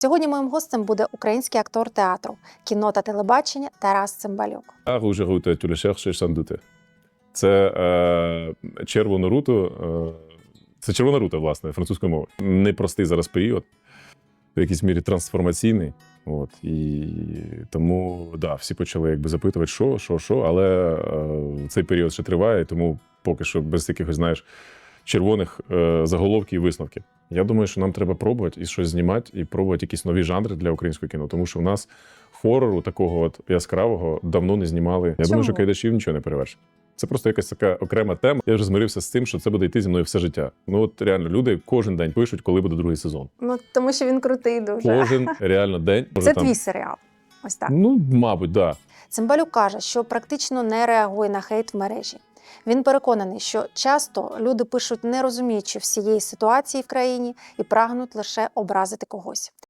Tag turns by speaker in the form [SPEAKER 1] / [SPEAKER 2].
[SPEAKER 1] Сьогодні моїм гостем буде український актор театру, кіно та телебачення Тарас Цимбалюк.
[SPEAKER 2] Rouge route, tu le cherches sans doute. Це червона рута, це червона рута, власне, французькою мовою. Непростий зараз період, в якійсь мірі трансформаційний. От, і тому, да, всі почали якби запитувати, що, але цей період ще триває, тому поки що без якихось, знаєш, червоних заголовків і висновків. Я думаю, що нам треба пробувати і щось знімати, і пробувати якісь нові жанри для українського кіно, тому що в нас хорору такого от яскравого давно не знімали. Я думаю, що Кайдашів нічого не перевершить. Це просто якась така окрема тема. Я вже змирився з тим, що це буде йти зі мною все життя. Ну от реально люди кожен день пишуть, коли буде другий сезон.
[SPEAKER 1] Ну, тому що він крутий дуже.
[SPEAKER 2] Кожен реально день.
[SPEAKER 1] Це твій серіал. Ось так.
[SPEAKER 2] Ну, мабуть, да.
[SPEAKER 1] Цимбалюк каже, що практично не реагує на хейт в мережі. Він переконаний, що часто люди пишуть, не розуміючи всієї ситуації в країні, і прагнуть лише образити когось.